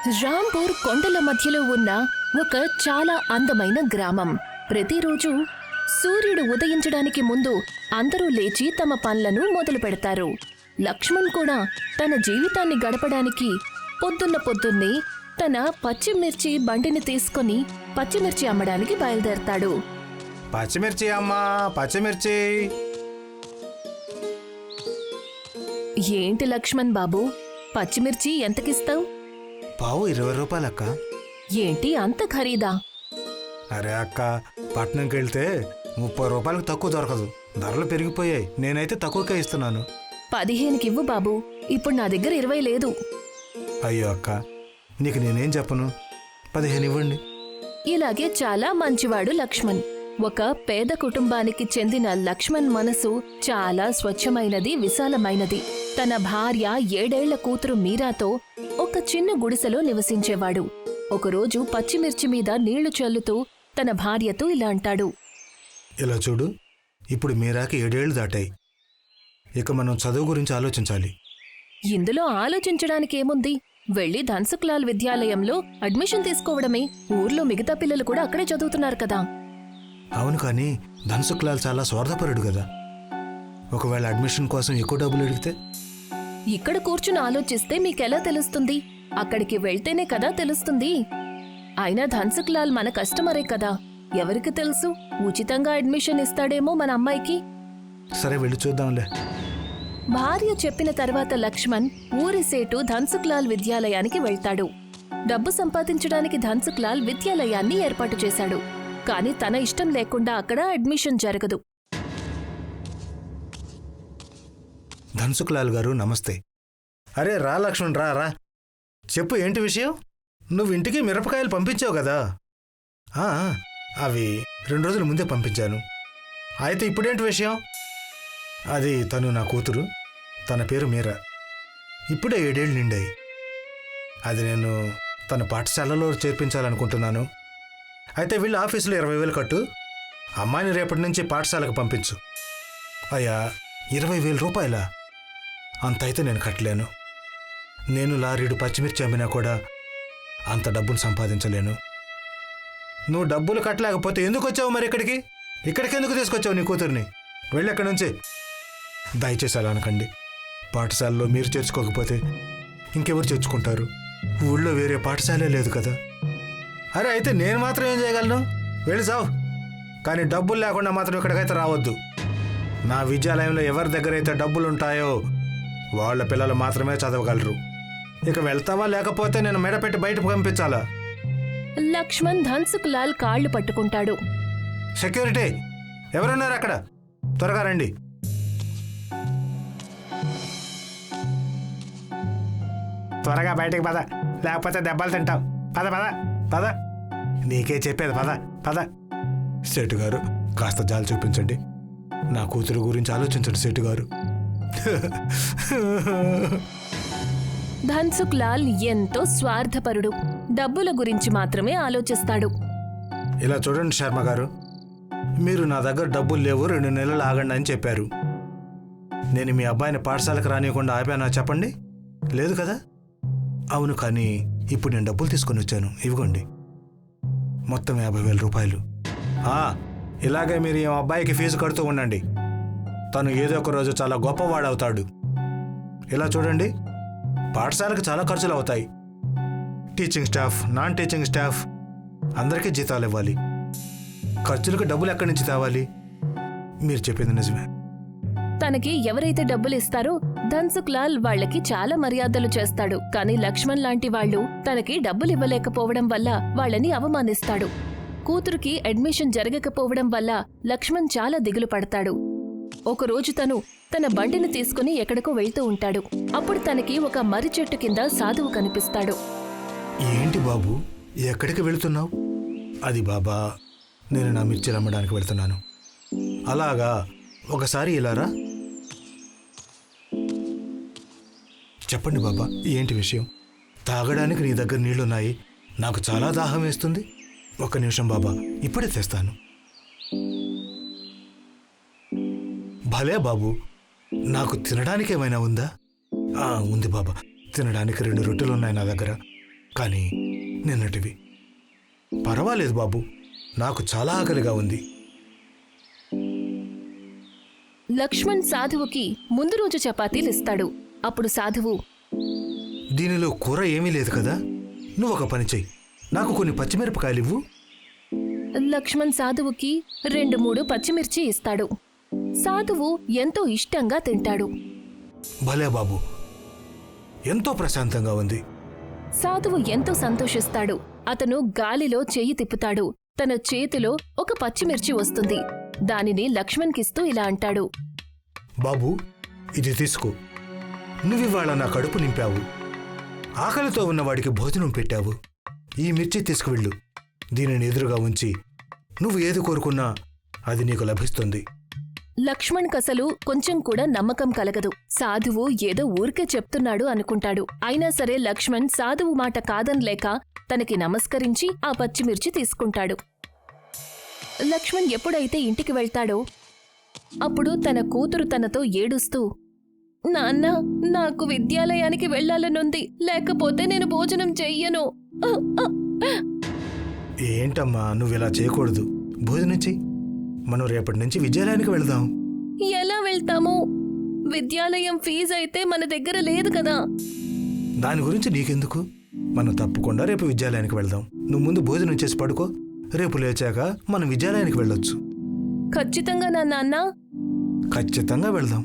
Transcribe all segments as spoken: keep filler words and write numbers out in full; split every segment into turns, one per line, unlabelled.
రాంపూర్ కొండల మధ్యలో ఉన్న ఒక చాలా అందమైన గ్రామం. ప్రతిరోజు సూర్యుడు ఉదయించడానికి ముందు అందరూ లేచి తమ పనులను మొదలు పెడతారు. లక్ష్మణ్ కూడా తన జీవితాన్ని గడపడానికి పొద్దున్న పొద్దున్నే తన పచ్చిమిర్చి బండిని తీసుకుని పచ్చిమిర్చి అమ్మడానికి బయలుదేరతాడు.
పచ్చిమిర్చి అమ్మా, పచ్చిమిర్చి.
ఏంటి లక్ష్మణ్ బాబు, పచ్చిమిర్చి ఎంతకిస్తావు?
పావు ఇరవై రూపాయలు అక్క.
ఏంటి అంత ఖరీదా?
అరే అక్క, పట్నంకి వెళ్తే ముప్పై రూపాయలకు తక్కువ దొరకదు. ధరలు పెరిగిపోయాయి. నేనైతే తక్కువకే ఇస్తున్నాను.
పదిహేనుకివ్వు బాబు, ఇప్పుడు నా దగ్గర ఇరవై లేదు.
అయ్యో అక్క, నీకు నేనేం చెప్పను, పదిహేను ఇవ్వండి.
ఇలాగే చాలా మంచివాడు లక్ష్మణ్. ఒక పేద కుటుంబానికి చెందిన లక్ష్మణ్ మనసు చాలా స్వచ్ఛమైనది, విశాలమైనది. తన భార్య ఏడేళ్ల కూతురు మీరాతో ఒక చిన్న గుడిసెలో నివసించేవాడు. ఒకరోజు పచ్చిమిర్చి మీద నీళ్లు చల్లుతూ తన భార్యతో ఇలా అంటాడు.
ఇలా చూడు, ఇప్పుడు మీరాకి ఏడేళ్లు దాటాయి. ఇక మనం చదువు గురించి ఆలోచించాలి.
ఇందులో ఆలోచించడానికేముంది? వెళ్లి ధన్సుక్లాల్ విద్యాలయంలో అడ్మిషన్ తీసుకోవడమే. ఊర్లో మిగతా పిల్లలు కూడా అక్కడే చదువుతున్నారు కదా.
అవును, కానీ ధన్సుక్లాల్ చాలా స్వార్థపరుడు కదా. ఒకవేళ అడ్మిషన్ కోసం ఎక్కువ డబ్బులు అడిగితే?
ఇక్కడ కూర్చుని ఆలోచిస్తే మీకెలా తెలుస్తుంది? అక్కడికి వెళ్తేనే కదా తెలుస్తుంది. అయినా ధన్సుక్లాల్ మన కస్టమరే కదా, ఎవరికి తెలుసు, ఉచితంగా అడ్మిషన్ ఇస్తాడేమో మన అమ్మాయికి.
సరే, వెళ్ళి చూద్దాంలే.
భార్య చెప్పిన తర్వాత లక్ష్మణ్ ఊరి సేటు ధన్సుక్లాల్ విద్యాలయానికి వెళ్తాడు. డబ్బు సంపాదించడానికి ధన్సుక్లాల్ విద్యాలయాన్ని ఏర్పాటు చేశాడు. కాని తన ఇష్టం లేకుండా అక్కడ అడ్మిషన్ జరగదు.
ధన్సుక్లాల్ గారు నమస్తే. అరే రా లక్ష్మణ్, రా రా. చెప్పు, ఏంటి విషయం? నువ్వు ఇంటికి మిరపకాయలు పంపించావు కదా. అవి రెండు రోజుల ముందే పంపించాను. అయితే ఇప్పుడేంటి విషయం? అది తను నా కూతురు, తన పేరు మీరా. ఇప్పుడే ఏడేళ్ళు నిండాయి. అది నేను తన పాఠశాలలో చేర్పించాలనుకుంటున్నాను. అయితే వీళ్ళ ఆఫీసులో ఇరవై వేలు కట్టు, అమ్మాయిని రేపటి నుంచి పాఠశాలకు పంపించు. అయ్యా, ఇరవై వేల రూపాయలా? అంత అయితే నేను కట్టలేను. నేను లారీడు పచ్చిమిర్చి అమ్మినా కూడా అంత డబ్బును సంపాదించలేను. నువ్వు డబ్బులు కట్టలేకపోతే ఎందుకు వచ్చావు మరి ఇక్కడికి? ఇక్కడికి ఎందుకు తీసుకొచ్చావు నీ కూతుర్ని? వెళ్ళెక్కడి నుంచి. దయచేసి అలా అనకండి. పాఠశాలలో మీరు చేర్చుకోకపోతే ఇంకెవరు చేర్చుకుంటారు? ఊళ్ళో వేరే పాఠశాలే లేదు కదా. అరే, అయితే నేను మాత్రం ఏం చేయగలను? వెళ్ళి చావు. కానీ డబ్బులు లేకుండా మాత్రం ఇక్కడికైతే రావద్దు. నా విద్యాలయంలో ఎవరి దగ్గర అయితే డబ్బులు ఉంటాయో వాళ్ళ పిల్లలు మాత్రమే చదవగలరు. ఇక వెళ్తావా, లేకపోతే నేను మెడపెట్టి బయటకు పంపించాలా?
లక్ష్మణ్ ధన్సుక్లాల్ కాళ్లు పట్టుకుంటాడు.
సెక్యూరిటీ, ఎవరున్నారు అక్కడ? త్వరగా రండి. త్వరగా బయటికి పద, లేకపోతే దెబ్బలు తింటాం. పద పద పద. నీకే చెప్పేది, పద పద. సేటు గారు, కాస్త జాలి చూపించండి. నా కూతురు గురించి ఆలోచించండి సేటు గారు.
ధన్సుక్లాల్ ఎంతో స్వార్థపరుడు. డబ్బుల గురించి మాత్రమే ఆలోచిస్తాడు.
ఇలా చూడండి శర్మ గారు, మీరు నా దగ్గర డబ్బులు లేవు, రెండు నెలలు ఆగండి అని చెప్పారు. నేను మీ అబ్బాయిని పాఠశాలకు రానియకుండా ఆపానా చెప్పండి? లేదు కదా. అవును, కానీ ఇప్పుడు నేను డబ్బులు తీసుకొని వచ్చాను. ఇవ్వండి, మొత్తం యాభై వేల రూపాయలు. ఇలాగే మీరు ఈ అబ్బాయికి ఫీజు కడుతూ ఉండండి. తను ఏదో ఒక రోజు చాలా గొప్పవాడవుతాడు. ఇలా చూడండి, పాఠశాలకు చాలా ఖర్చులు అవుతాయి. Teaching staff, non teaching staff అందరికీ జీతాలు ఇవ్వాలి. ఖర్చులకు డబ్బులు ఎక్కడి నుంచి తేవాలి? మీరు చెప్పింది నిజమే.
తనకి ఎవరైతే డబ్బులు ఇస్తారో ధన్సుక్లాల్ వాళ్లకి చాలా మర్యాదలు చేస్తాడు. కానీ లక్ష్మణ్ లాంటి వాళ్లు తనకి డబ్బులు ఇవ్వలేకపోవడం వల్ల వాళ్ళని అవమానిస్తాడు. కూతురుకి అడ్మిషన్ జరగకపోవడం వల్ల లక్ష్మణ్ చాలా దిగులు పడతాడు. ఒకరోజు తను తన బండిని తీసుకుని ఎక్కడికో వెళ్తూ ఉంటాడు. అప్పుడు తనకి ఒక మర్రి చెట్టు కింద సాధువు కనిపిస్తాడు.
ఏంటి బాబు, ఎక్కడికి వెళుతున్నావు? అది బాబా, నేను నా మిర్చిలు అమ్మడానికి వెళ్తున్నాను. అలాగా, ఒకసారి ఇలారా. చెప్పండి బాబా, ఏంటి విషయం? తాగడానికి నీ దగ్గర నీళ్లున్నాయి, నాకు చాలా దాహం వేస్తుంది. ఒక్క నిమిషం బాబా, ఇప్పుడే తెస్తాను. భలే బాబు, నాకు తినడానికి ఏమైనా ఉందా? ఉంది బాబా, తినడానికి రెండు రొట్టెలున్నాయి నా దగ్గర. కానీ నిన్నటివి. పర్వాలేదు బాబు, నాకు చాలా ఆకలిగా ఉంది.
లక్ష్మణ్ సాధువుకి ముందు రోజు చపాతీలు ఇస్తాడు. అప్పుడు సాధువు,
దీనిలో కూర ఏమీ లేదు కదా, నువ్వు ఒక పని చెయ్యి, నాకు కొన్ని పచ్చిమిరపకాయలు ఇవ్వు.
లక్ష్మణ్ సాధువుకి రెండు మూడు పచ్చిమిర్చి ఇస్తాడు. సాధువు ఎంతో ఇష్టంగా తింటాడు.
భలే బాబు, ఎంతో ప్రశాంతంగా ఉంది.
సాధువు ఎంతో సంతోషిస్తాడు. అతను గాలిలో చెయ్యి తిప్పుతాడు. తన చేతిలో ఒక పచ్చిమిర్చి వస్తుంది. దానిని లక్ష్మణ్కిస్తూ ఇలా అంటాడు,
బాబు, ఇది తీసుకో. నువ్వివాళ నా కడుపు నింపావు, ఆకలితో ఉన్నవాడికి భోజనం పెట్టావు. ఈ మిర్చి తీసుకువెళ్ళు. దీనిని ఎదురుగా ఉంచి నువ్వు ఏది కోరుకున్నా అది నీకు లభిస్తుంది.
లక్ష్మణ్ కసలు కొంచెం కూడా నమ్మకం కలగదు. సాధువు ఏదో ఊరికే చెప్తున్నాడు అనుకుంటాడు. అయినా సరే లక్ష్మణ్ సాధువు మాట కాదనలేక తనకి నమస్కరించి ఆ పచ్చిమిర్చి తీసుకుంటాడు. లక్ష్మణ్ ఎప్పుడైతే ఇంటికి వెళ్తాడో అప్పుడు తన కూతురు తనతో ఏడుస్తూ, నాన్న, నాకు విద్యాలయానికి వెళ్లాలనుంది, లేకపోతే నేను భోజనం చెయ్యను.
ఏంటమ్మా, నువ్వు ఇలా చేయకూడదు. భోజనం చెయ్యి. మనం రేపటి నుంచి విద్యాలయానికి వెళదాం.
ఎలా వెళ్తాము? విద్యాలయం ఫీజు అయితే మన దగ్గర లేదు కదా.
దాని గురించి నీకెందుకు, మనం తప్పకుండా రేపు విద్యాలయానికి వెళ్దాం. నువ్వు ముందు భోజనం చేసి పడుకో. రేపు లేచాక మనం విద్యాలయానికి వెళ్ళొచ్చు.
ఖచ్చితంగా నా నాన్న.
ఖచ్చితంగా వెళ్దాం.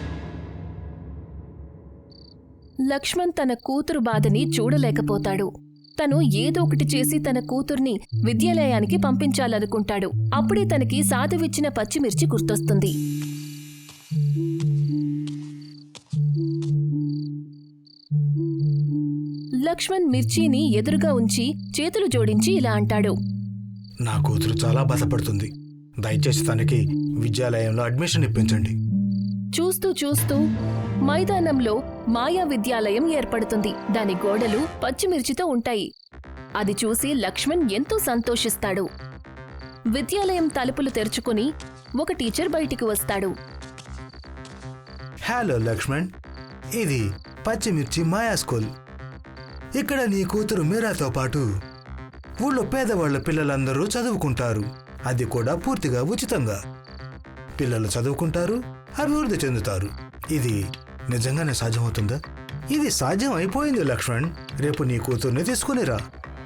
లక్ష్మణ్ తన కూతురు బాధని చూడలేకపోతాడు. తను ఏదో ఒకటి చేసి తన కూతుర్ని విద్యాలయానికి పంపించాలనుకుంటాడు. అప్పుడే తనకి సాధువిచ్చిన పచ్చిమిర్చి గుర్తొస్తుంది. లక్ష్మణ్ మిర్చిని ఎదురుగా ఉంచి చేతులు జోడించి ఇలా అంటాడు,
నా కూతురు చాలా బాధపడుతుంది. దయచేసి తనకి విద్యాలయంలో అడ్మిషన్ ఇప్పించండి.
చూస్తూ చూస్తూ మైదానంలో మాయా విద్యాలయం ఏర్పడుతుంది. దాని గోడలు పచ్చిమిర్చితో ఉంటాయి. అది చూసి లక్ష్మణ్ ఎంతో సంతోషిస్తాడు. విద్యాలయం తలుపులు తెరుచుకుని ఒక టీచర్ బయటికి వస్తాడు.
హలో లక్ష్మణ్, ఇది పచ్చిమిర్చి మాయా స్కూల్. ఇక్కడ నీ కూతురు మీరాతో పాటు ఊళ్ళో పేదవాళ్ల పిల్లలందరూ చదువుకుంటారు. అది కూడా పూర్తిగా ఉచితంగా. పిల్లలు చదువుకుంటారు, అభివృద్ధి చెందుతారు. ఇది నిజంగానే సాధ్యమవుతుందా? ఇది సాధ్యం అయిపోయింది లక్ష్మణ్. రేపు నీ కూతుర్ని తీసుకునిరా.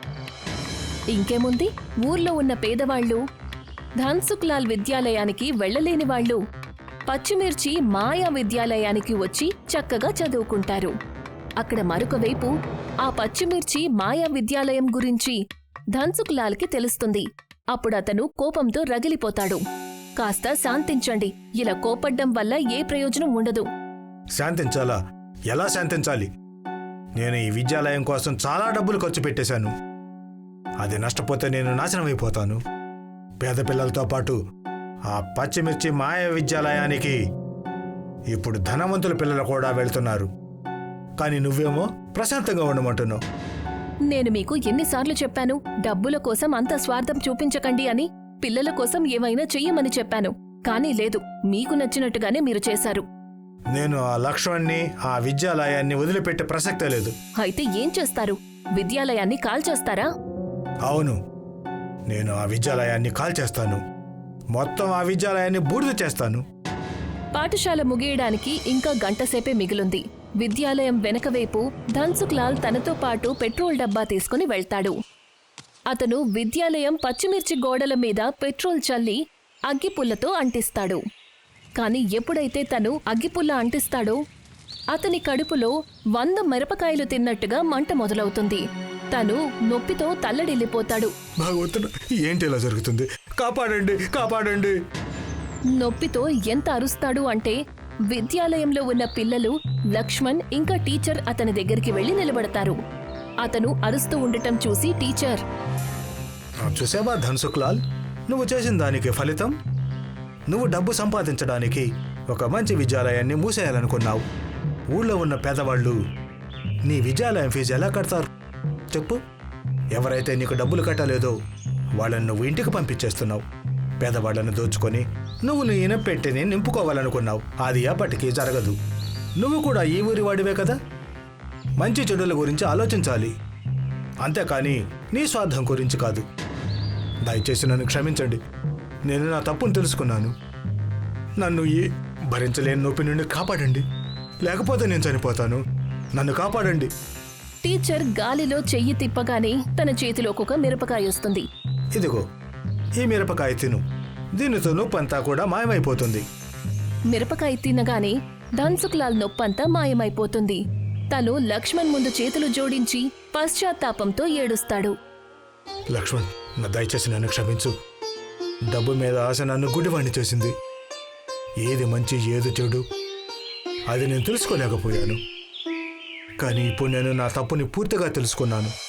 ఇంకేముంది, ఊర్లో ఉన్న పేదవాళ్లు ధన్సుఖ్లాల్ విద్యాలయానికి వెళ్లలేని వాళ్లు పచ్చిమిర్చి మాయా విద్యాలయానికి వచ్చి చక్కగా చదువుకుంటారు. అక్కడ మరొక వైపు ఆ పచ్చిమిర్చి మాయా విద్యాలయం గురించి ధన్సుఖ్లాల్కి తెలుస్తుంది. అప్పుడతను కోపంతో రగిలిపోతాడు. కాస్త శాంతించండి. ఇలా కోపడ్డం వల్ల ఏ ప్రయోజనం ఉండదు.
శాంతించాలా? ఎలా శాంతించాలి? నేను ఈ విద్యాలయం కోసం చాలా డబ్బులు ఖర్చు పెట్టేశాను. అది నష్టపోతే నేను నాశనం అయిపోతాను. పేద పిల్లలతో పాటు ఆ పచ్చిమిర్చి మాయ విద్యాలయానికి ఇప్పుడు ధనవంతుల పిల్లలు కూడా వెళ్తున్నారు. కానీ నువ్వేమో ప్రశాంతంగా ఉండమంటున్నావు.
నేను మీకు ఎన్నిసార్లు చెప్పాను, డబ్బుల కోసం అంత స్వార్థం చూపించకండి అని. పిల్లల కోసం ఏమైనా చెయ్యమని చెప్పాను. కానీ లేదు, మీకు నచ్చినట్టుగానే మీరు చేశారు.
నేను ఆ లక్ష్మణ్ణి, ఆ విద్యాలయాన్ని వదిలిపెట్టే ప్రసక్తే లేదు.
అయితే ఏం చేస్తారు? విద్యాలయాన్ని కాల్చేస్తారా?
అవును, నేను ఆ విద్యాలయాన్ని కాల్చేస్తాను. మొత్తం ఆ విద్యాలయాన్ని బూడిద చేస్తాను.
పాఠశాల ముగియడానికి ఇంకా గంటసేపే మిగిలుంది. విద్యాలయం వెనకవైపు ధన్సుఖ్లాల్ తనతో పాటు పెట్రోల్ డబ్బా తీసుకుని వెళ్తాడు. అతను విద్యాలయం పచ్చిమిర్చి గోడల మీద పెట్రోల్ చల్లి అగ్గిపుల్లతో అంటిస్తాడు. కాని ఎప్పుడైతే తను అగ్గిపుల్ల అంటిస్తాడో అతని కడుపులో వంద మిరపకాయలు తిన్నట్టుగా మంట మొదలవుతుంది. తను నొప్పితో తల్లడిల్లిపోతాడు.
భగవంతుడు, ఏంటి ఇలా జరుగుతుంది? కాపాడండి, కాపాడండి.
నొప్పితో ఎంత అరుస్తాడు అంటే విద్యాలయంలో ఉన్న పిల్లలు, లక్ష్మణ్ ఇంకా టీచర్ అతని దగ్గరికి వెళ్లి నిలబడతారు. అతను అరుస్తూ ఉండటం చూసి టీచర్,
చూసావా ధన్సుఖ్లాల్, నువ్వు చేసిన దానికి ఫలితం? నువ్వు డబ్బు సంపాదించడానికి ఒక మంచి విద్యాలయాన్ని మూసేయాలనుకున్నావు. ఊళ్ళో ఉన్న పేదవాళ్ళు నీ విద్యాలయం ఫీజు ఎలా కడతారు చెప్పు? ఎవరైతే నీకు డబ్బులు కట్టలేదో వాళ్ళని నువ్వు ఇంటికి పంపించేస్తున్నావు. పేదవాళ్లను దోచుకొని నువ్వు నీ ఇనపెట్టిని నింపుకోవాలనుకున్నావు. అది ఎప్పటికీ జరగదు. నువ్వు కూడా ఈ ఊరి వాడివే కదా. మంచి చెడుల గురించి ఆలోచించాలి. అంతేకాని నీ స్వార్థం గురించి కాదు. దయచేసి నన్ను క్షమించండి. నేను నా తప్పును తెలుసుకున్నాను. నన్ను ఈ భరించలేని నొప్పి నుండి కాపాడండి, లేకపోతే నేను చనిపోతాను. నన్ను కాపాడండి.
టీచర్ గాలిలో చెయ్యి తిప్పగానే తన చేతిలోకి ఒక మిరపకాయ వస్తుంది.
ఇదిగో ఈ మిరపకాయ తిను, దీనితో నొప్పంతా కూడా మాయమైపోతుంది.
మిరపకాయ తినగానే ధన్సుఖ్లాల్ నొప్పంతా మాయమైపోతుంది. తను లక్ష్మణ్ ముందు చేతులు జోడించి పశ్చాత్తాపంతో ఏడుస్తాడు.
లక్ష్మణ్, నా దయచేసి నన్ను క్షమించు. డబ్బు మీద ఆశ నన్ను గుడ్డివాణ్ణి చేసింది. ఏది మంచి ఏది చెడు అది నేను తెలుసుకోలేకపోయాను. కానీ ఇప్పుడు నేను నా తప్పుని పూర్తిగా తెలుసుకున్నాను.